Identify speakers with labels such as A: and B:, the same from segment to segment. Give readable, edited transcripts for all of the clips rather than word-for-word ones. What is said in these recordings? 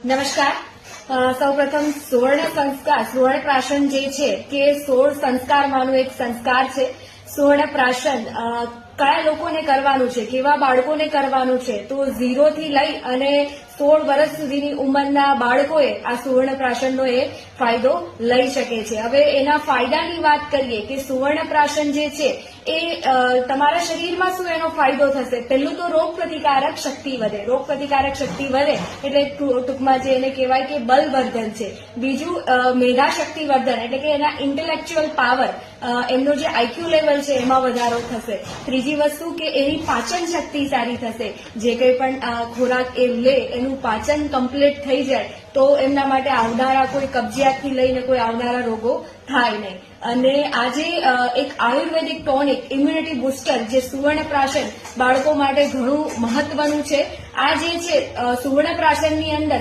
A: નમસ્કાર. સૌપ્રથમ સુવર્ણ સંસ્કાર, સુવર્ણ પ્રાશન જે છે કે 16 સંસ્કારમાંનું એક સંસ્કાર છે. સુવર્ણ પ્રાશન કયા લોકોને કરવાનું છે, કેવા બાળકોને કરવાનું છે, તો 0 થી લઈ અને 16 વર્ષ સુધીની ઉંમરના બાળકોએ આ સુવર્ણ પ્રાશનનો એ ફાયદો લઈ શકે છે. હવે એના ફાયદાની વાત કરીએ કે સુવર્ણ પ્રાશન જે છે એ તમારા શરીરમાં શું એનો ફાયદો થશે. પહેલું તો રોગ પ્રતિકારક શક્તિ વધે. રોગ પ્રતિકારક શક્તિ વધે એટલે ટૂંકમાં જે એને કહેવાય કે બલવર્ધન છે. બીજું મેધા શક્તિવર્ધન એટલે કે એના ઇન્ટેલેક્ચ્યુઅલ પાવર, એમનો જે આઈક્યુ લેવલ છે એમાં વધારો થશે. ત્રીજી વસ્તુ કે એની પાચન શક્તિ સારી થશે. જે કંઈ પણ ખોરાક એ લે એનું પાચન કમ્પ્લીટ થઈ જાય તો એમના માટે આવનારા કોઈ કબજિયાતથી લઈને કોઈ આવનારા રોગો થાય નહીં. અને આજે એક આયુર્વેદિક ટોનિક ઇમ્યુનિટી બુસ્ટર જે સુવર્ણ પ્રાશન બાળકો માટે ઘણું મહત્વનું છે. આ જે છે સુવર્ણ પ્રાશનની અંદર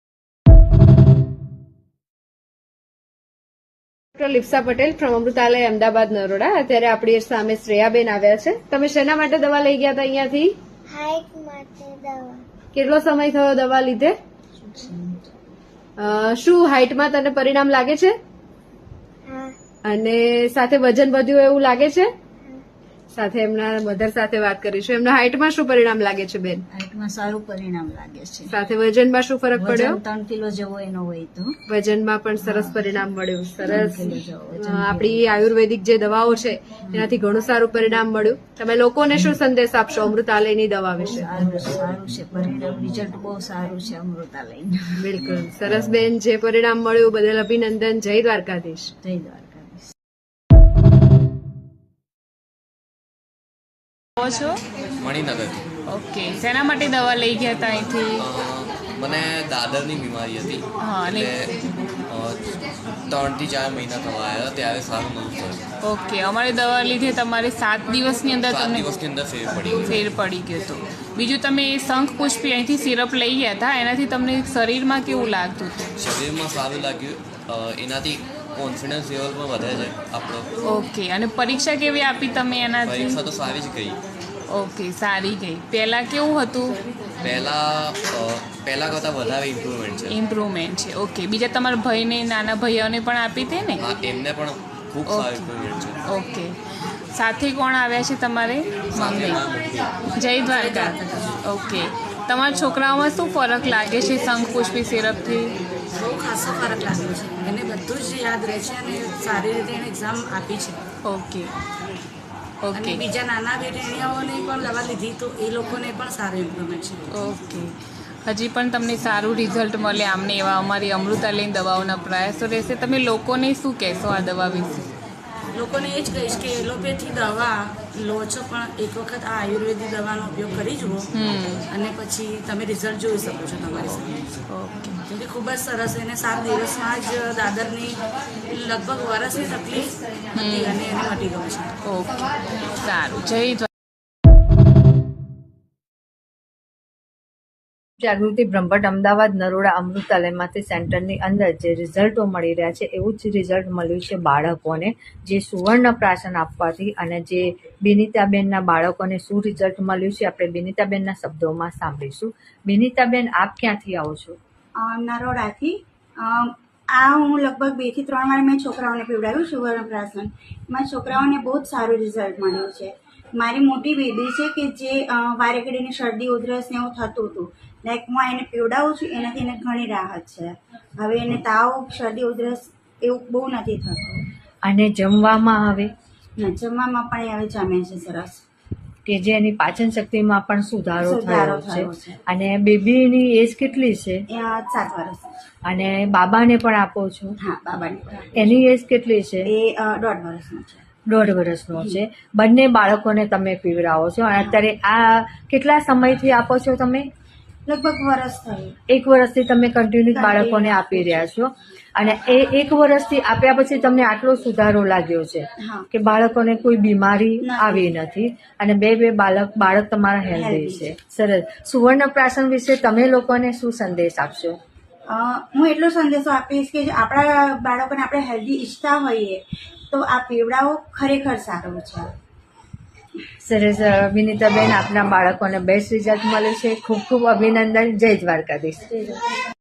A: ડોક્ટર લિપ્સા પટેલ ફ્રોમ અમૃતાલય અમદાવાદ નરોડા. અત્યારે આપણી સામે શ્રેયાબેન આવ્યા છે. તમે શેના માટે દવા લઈ ગયા હતા અહીંયાથી?
B: હાઈટ માટે દવા.
A: કેટલો સમય થયો દવા લીધે? શું હાઈટમાં તને પરિણામ લાગે છે?
B: હા.
A: અને સાથે વજન વધ્યું એવું લાગે છે? સાથે એમના મધર સાથે વાત કરીશું. એમના હાઈટમાં શું પરિણામ લાગે છે બેન?
C: હાઈટમાં સારું પરિણામ લાગે છે.
A: સાથે વજનમાં શું ફરક પડ્યો?
C: 3 કિલો જેવો એનો હોય તો
A: વજનમાં પણ સરસ પરિણામ મળ્યું. સરસ.
C: 3 કિલો જેવો વજન.
A: આપણી આયુર્વેદિક જે દવાઓ છે એનાથી ઘણું સારું પરિણામ મળ્યું. તમે લોકોને શું સંદેશ આપશો અમૃતાલયની દવા વિશે?
C: સારું છે પરિણામ, રિઝલ્ટ બહુ સારું છે અમૃતાલયનું.
A: બિલકુલ સરસ બેન. જે પરિણામ મળ્યું બદલ અભિનંદન. જય દ્વારકાધીશ.
C: જય દ્વારકાધીશ.
D: છો
E: મણિનગરથી.
D: ઓકે, શેના માટે દવા લઈ ગયા હતા અહીંથી?
E: મને દાદરની બીમારી હતી.
D: હા, અને
E: એટલે 3 થી 4 મહિના થવા આવ્યા ત્યારે સારું નહોતું થયું.
D: ઓકે, અમારી દવા લીધે તમારે 7 દિવસની અંદર
E: 7
D: તમને
E: દિવસની અંદર ફેર પડી ગયો.
D: ફેર પડી ગયો હતો. બીજું તમે શંખ પુષ્પી અહીંથી સિરપ લઈ ગયા હતા, એનાથી તમને શરીરમાં કેવું લાગતું હતું?
E: શરીરમાં સારું લાગ્યું. એનાથી કોન્ફિડન્સ લેવલ પણ વધે છે આપણો.
D: ઓકે, અને પરીક્ષા કેવી આપી તમે એનાથી?
E: પરીક્ષા તો સારી જ ગઈ.
D: ઓકે, સારી ગઈ. પહેલા કેવું હતું?
E: પહેલા કરતાં વધારે ઇમ્પ્રુવમેન્ટ છે.
D: ઇમ્પ્રુવમેન્ટ છે. ઓકે, બીજા તમારા ભાઈને, નાના ભાઈઓને પણ આપી હતી ને?
E: હા, એમને પણ ખૂબ સારું ઇમ્પ્રુવમેન્ટ છે.
D: ઓકે, સાથે કોણ આવ્યા છે તમારે? મમ્મી. જય દ્વારકા. ઓકે, તમારા છોકરાઓમાં શું ફરક લાગે છે શંખ પુષ્પી સિરપથી?
F: બહુ ખાસો ફરક લાગ્યો છે. એને બધું જ યાદ રહે છે અને સારી રીતે એને એક્ઝામ આપી છે.
D: ઓકે
F: અને
D: ઓકે
F: બીજા નાના બેટીઓને પણ દવા લીધી તો એ લોકોને પણ સારું ઇમ્પ્રુવમેન્ટ છે.
D: ઓકે, હજી પણ તમને સારું રિઝલ્ટ મળે આમને એવા અમારી અમૃતાલયની દવાઓના પ્રયાસો રહેશે. તમે લોકોને શું કહેશો આ દવા વિશે?
F: લોકોને એ જ કહીશ કે એલોપેથી દવા લો છો પણ એક વખત આ આયુર્વેદિક દવાનો ઉપયોગ કરી જુઓ અને પછી તમે રિઝલ્ટ જોઈ શકો છો તમારી સામે.
D: ઓકે
F: કેમ કે ખૂબ જ સરસ. એને 7 દિવસમાં જ દાદરની લગભગ વર્ષની તકલીફ હતી અને એને મટી ગયું છે.
D: ઓકે, સારું. જય દ્વારકા.
G: જાગૃતિ બ્રહ્મભટ્ટ અમદાવાદ નરોડા અમૃતાલયમાંથી સેન્ટરની અંદર જે રિઝલ્ટો મળી રહ્યા છે એવું જ રિઝલ્ટ મળ્યું છે બાળકોને જે સુવર્ણ પ્રાશન આપવાથી. અને જે બિનિતાબેનના બાળકોને શું રિઝલ્ટ મળ્યું છે આપણે બિનિતાબેનના શબ્દોમાં સાંભળીશું. બિનિતાબેન, આપ ક્યાંથી આવો છો?
H: નરોડાથી. આ હું લગભગ 2 થી 3 વાર મેં છોકરાઓને પીવડાવ્યું સુવર્ણ પ્રાશન. એમાં છોકરાઓને બહુ જ સારું રિઝલ્ટ મળ્યું છે. મારી મોટી બેબી છે કે જે વારે ઘડીની શરદી ઉધરસ ને એવું થતું હતું, લાઈક હું એને પીવડાવું છું એનાથી એને ઘણી રાહત છે. હવે એને તાવ, શરદી ઉધરસ એવું બહુ નથી થતું.
G: અને જમવામાં આવે
H: જમવામાં પણ હવે જમે છે સરસ.
G: કે જે એની પાચન શક્તિમાં પણ સુધારો થયો
H: થયો
G: છે. અને બેબીની એજ કેટલી છે?
H: 7 વર્ષ.
G: અને બાબાને પણ આપો છો?
H: હા, બાબાની.
G: એની એજ કેટલી છે?
H: એ 1.5 વર્ષનો છે.
G: 1.5 વર્ષનો છે. બંને બાળકોને તમે પીવડાવો છો. અને અત્યારે આ કેટલા સમયથી આપો છો તમે?
H: લગભગ વર્ષ થયું.
G: 1 વર્ષથી તમે કન્ટિન્યુ બાળકોને આપી રહ્યા છો. અને એ 1 વર્ષથી આપ્યા પછી તમને આટલો સુધારો લાગ્યો છે
H: હા.
G: કે બાળકોને કોઈ બીમારી
H: નથી.
G: આવી નથી અને બે બાળક તમારા હેલ્ધી છે. સરસ. સુવર્ણ પ્રાશન વિશે તમે લોકોને શું સંદેશ આપશો?
H: હું એટલો સંદેશો આપીશ કે આપણા બાળકોને આપણે હેલ્ધી ઈચ્છતા હોઈએ તો આ પીવડાઓ ખરેખર સારું છે.
G: સરસ. વિનીતાબેન, આપના બાળકોને બેસ્ટ રિઝલ્ટ મળે છે. ખૂબ ખૂબ અભિનંદન. જય દ્વારકાધીશ.